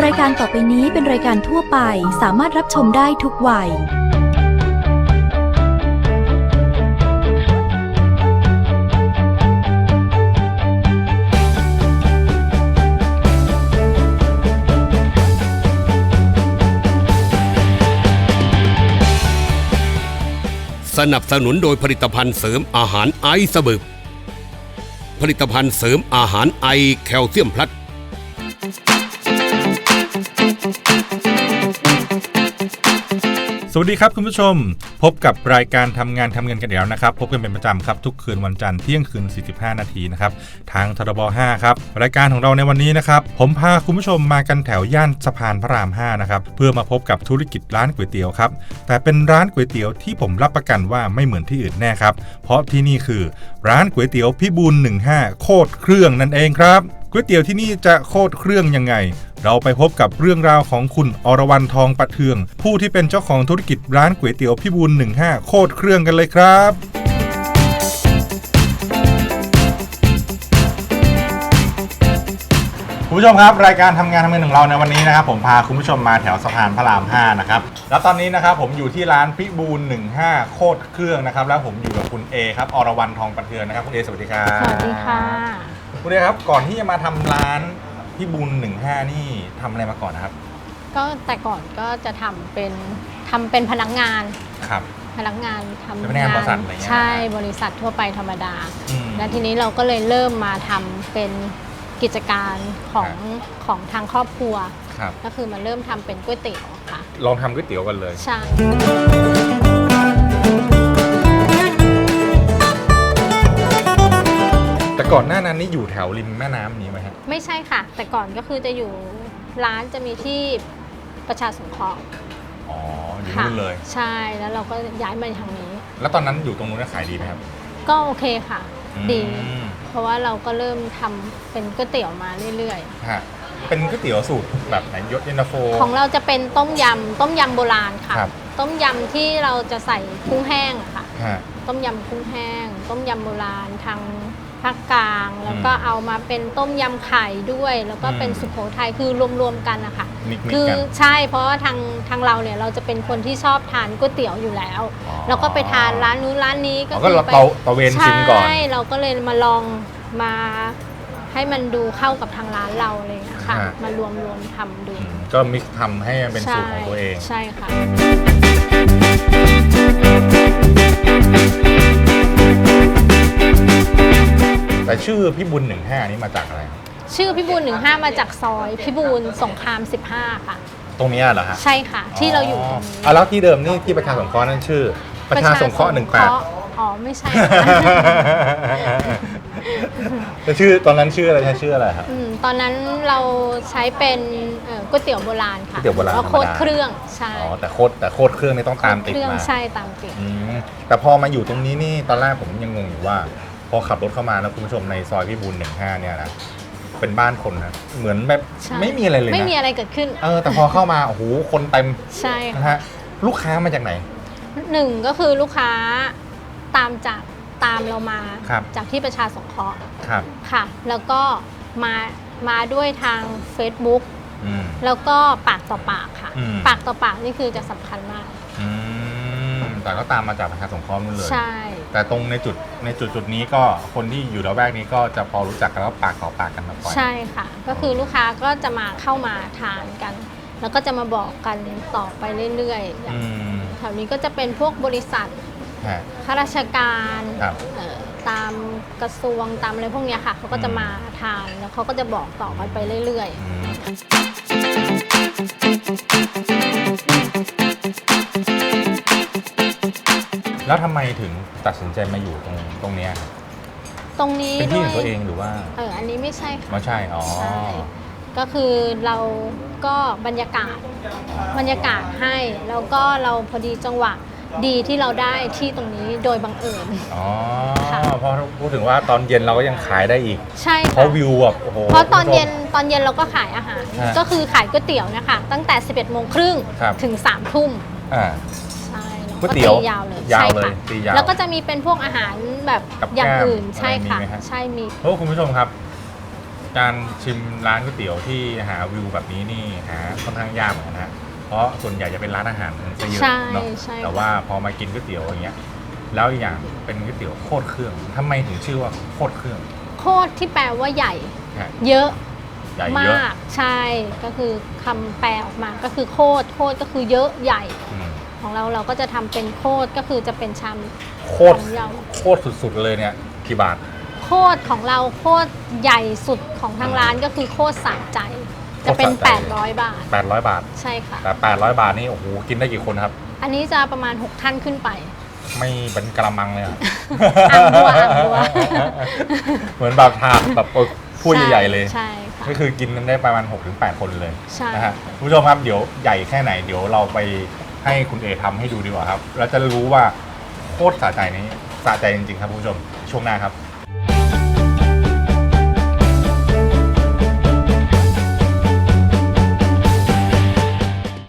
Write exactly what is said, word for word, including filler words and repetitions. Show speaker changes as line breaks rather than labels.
รายการต่อไปนี้เป็นรายการทั่วไปสามารถรับชมได้ทุกวัย
สนับสนุนโดยผลิตภัณฑ์เสริมอาหารไอซ์บึกผลิตภัณฑ์เสริมอาหารไอแคลเซียมพลัส
สวัสดีครับคุณผู้ชมพบกับรายการทำงานทำเงินกันแล้วนะครับพบกันเป็นประจำครับทุกคืนวันจันทร์เที่ยงคืนสี่สิบห้านาทีนะครับทางทรบห้าครับรายการของเราในวันนี้นะครับผมพาคุณผู้ชมมากันแถวย่านสะพานพระรามห้านะครับเพื่อมาพบกับธุรกิจร้านก๋วยเตี๋ยวครับแต่เป็นร้านก๋วยเตี๋ยวที่ผมรับประกันว่าไม่เหมือนที่อื่นแน่ครับเพราะที่นี่คือร้านก๋วยเตี๋ยวพิบูลหนึ่งห้าโคตรเครื่องนั่นเองครับก๋วยเตี๋ยวที่นี่จะโคตรเครื่องยังไงเราไปพบกับเรื่องราวของคุณอรวรรณทองประเทืองผู้ที่เป็นเจ้าของธุรกิจร้านก๋วยเตี๋ยวพิบูลหนึ่งห้าโคตรเครื่องกันเลยครับคุณผู้ชมครับรายการทำงานทำเงินของเราในวันนี้นะครับผมพาคุณผู้ชมมาแถวสะพานพระรามห้านะครับแล้วตอนนี้นะครับผมอยู่ที่ร้านพิบูลหนึ่งห้าโคตรเครื่องนะครับแล้วผมอยู่กับคุณเอครับอรวรรณทองประเทืองนะครับคุณเอสวัสดีครับ
สวัสดีค่ะ
คุณเอครับก่อนที่จะมาทำร้านพิบูลหนึ่งห้านี่ทำอะไรมาก่อนนะครับ
ก็แต่ก่อนก็จะทำเป็นทำเป็นพนักงาน
ครับ
พนักงานทำ
เป็นพนักงานบริษัทอะไรเงี้ย
ใช่บริษัททั่วไปธรรมดาและทีนี้เราก็เลยเริ่มมาทำเป็นกิจการของของทางครอบครัวก็คือมาเริ่มทำเป็นก๋วยเตี๋ยวค่ะ
ลองทำก๋วยเตี๋ยวกันเลย
ใช่
แต่ก่อนหน้านั้นนี่อยู่แถวริมแม่น้ำนี้ไหมครับ
ไม่ใช่ค่ะแต่ก่อนก็คือจะอยู่ร้านจะมีที่ประชาสงเคราะห์
อ๋ออยู่นู่นเลย
ใช่แล้วเราก็ย้ายมาทางนี้
แล้วตอนนั้นอยู่ตรงนู้นขายดีไหมครับ
ก็โอเคค่ะดีเพราะว่าเราก็เริ่มทำเป็นก๋วยเตี๋ยวมาเรื่อย
ๆฮะเป็นก๋วยเตี๋ยวสูตรแบบไหนยศเย็นตาโฟ
ของเราจะเป็นต้มยำต้มยำโบราณค่ะต้มยำที่เราจะใส่กุ้งแห้งอะค่ะต้มยำกุ้งแห้งต้มยำโบราณทางภาคกลางแล้วก็เอามาเป็นต้มยำไข่ด้วยแล้วก็เป็นสุโขทัยคือรวมๆกันนะคะคือใช่เพราะว่าทางทางเราเนี่ยเราจะเป็นคนที่ชอบทานก๋วยเตี๋ยวอยู่แล้วแล้วก็ไปทานร้านนู้นร้านนี้ก็
คือไปตะเวนชิมก่อน
ใช่เราก็เลยมาลองมาให้มันดูเข้ากับทางร้านเราเลยนะคะมารวมรวมทำดู
ก็มิกซ์ทำให้เป็นสูตรของตัวเอง
ใช่ค่ะ
แต่ชื่อพิบูลหนึ่งห้านี่มาจากอะไร
ชื่อพิบูลหนึ่งห้ามาจากซอยพิบูลสงครามสิบห้าค่ะ
ตรงนี้เหรอฮะ
ใช่ค่ะที่เราอยู่ตรงนี้
อ๋อแล้วที่เดิมนี่ที่ประชาสงเคราะห์นั่นชื่อประชาสงเคราะห์หนึ่งแปด
อ๋อไม่ใช่
แต่ชื่อตอนนั้นชื่ออะไรใช้ชื่ออะไรครับ
ตอนนั้นเราใช้เป็นก๋วยเตี๋ยวโบราณค่ะ
ก๋วยเตี๋ยวโบราณ
โคตรเครื่องใช่
อ๋อแต่โคตรแต่โคตรเครื่องนี่ต้องตามติดมา
ใช่ตามติด
แต่พอมาอยู่ตรงนี้นี่ตอนแรกผมยังงงอยู่ว่าพอขับรถเข้ามาแล้วคุณผู้ชมในซอยพิบูลหนึ่งห้าเนี่ยนะเป็นบ้านคนนะเหมือนแบบไม่มีอะไรเลยนะ
ไม่มีอะไรเกิดขึ้น
เออแต่พอเข้ามาโอ้โหคนเต็ม
ใช่
นะฮะลูกค้ามาจากไหน
หนึ่งก็คือลูกค้าตามจากตามเรามาจากที่ประชาสงเคราะห์ค่ะแล้วก็มามาด้วยทาง Facebook แล้วก็ปากต่อปากค่ะปากต่อปากนี่คือจะสำคัญมาก
แต่ก็ตามมาจากประชาสงเคราะห์นู่นเลย
ใช่
แต่ตรงในจุดในจุดจุดนี้ก็คนที่อยู่ระแวกนี้ก็จะพอรู้จักกันแล้วปากต่อปากกันมาก่อน
ใช่ค่ะก็คือลูกค้าก็จะมาเข้ามาทานกันแล้วก็จะมาบอกกันต่อไปเรื่อยๆอย่างแถวนี้ก็จะเป็นพวกบริษัทข้าราชการตามกระทรวงตามอะไรพวกนี้ค่ะเขาก็จะมาทานแล้วเขาก็จะบอกต่อกันไปเรื่อยๆ
แล้วทำไมถึงตัดสินใจมาอยู่ตรงตรงนี้ครับ
ตรงนี้
เป็นที่ของตัวเองหรือว่า
เอออันนี้ไม่ใช่ค่ะ
ไม่ใช่อ๋อ
ก็คือเราก็บรรยากาศบรรยากาศให้แล้วก็เราพอดีจังหวะดีที่เราได้ที่ตรงนี้โดยบังเอิญ
อ๋อเพราะพูดถึงว่าตอนเย็นเราก็ยังขายได้อีก
ใช่
เพราะวิวแบบโอ้โห
เพราะตอนเย็นตอนเย็นเราก็ขายอาหารก็คือขายก๋วยเตี๋ยวนะคะตั้งแต่สิบเอ็ดโมงครึ่งถึงสามทุ่ม
ก๋วยเตี๋ยวย
าวเลย
ยาวเลยตียาว
แล้วก็จะมีเป็นพวกอาหารแบบอย่างอื่นใช่ค่ะใช่มี
เพราะคุณผู้ชมครับการชิมร้านก๋วยเตี๋ยวที่หาวิวแบบนี้นี่หาค่อนข้างยากเหมือนกันนะเพราะส่วนใหญ่จะเป็นร้านอาหารซะเยอะเนาะแต่ว่าพอมากินก๋วยเตี๋ยวอย่างเงี้ยแล้วอีกอย่างเป็นก๋วยเตี๋ยวโคตรเครื่องทำไมถึงชื่อว่าโคตรเครื่อง
โคตรที่แปลว่าใหญ่
ฮะ
เยอะ
ใหญ่เย
มา
อะ
กใช่ก็คือคำแปลออกมาก็คือโคตรโคตรก็คือเยอะใหญ่
อืม
ของเราเราก็จะทำเป็นโคตรก็คือจะเป็นชาม
โคตร
ของเรา
โคตรสุดๆเลยเนี่ยกี่บาท
โคตรของเราโคตรใหญ่สุดของทางร้านก็คือโคตรสะใจ จะเป็น
โคตรสะใจ
แปดร้อย บาท
แปดร้อยบาท
ใช่ค่ะ
แต่แปดร้อยบาทนี่โอ้โหกินได้กี่คนครับ
อันนี้จะประมาณหกท่านขึ้นไป
ไม่เป็นกระมังเลยอะ
อ่างบัวอ่างบัว
เหมือนแบบถาดแบบถ้วยใหญ่ๆเลย
ใช่ค่ะ
ก็คือกินกันได้ประมาณ หกถึงแปด คนเลย
ใช่
นะฮะคุณผู้ชมครับเดี๋ยวใหญ่แค่ไหนเดี๋ยวเราไปให้คุณเอทำให้ดูดีกว่าครับแล้วจะรู้ว่าโคตรสะใจนี้สะใจจริงๆครับคุณผู้ชมช่วงหน้าครับ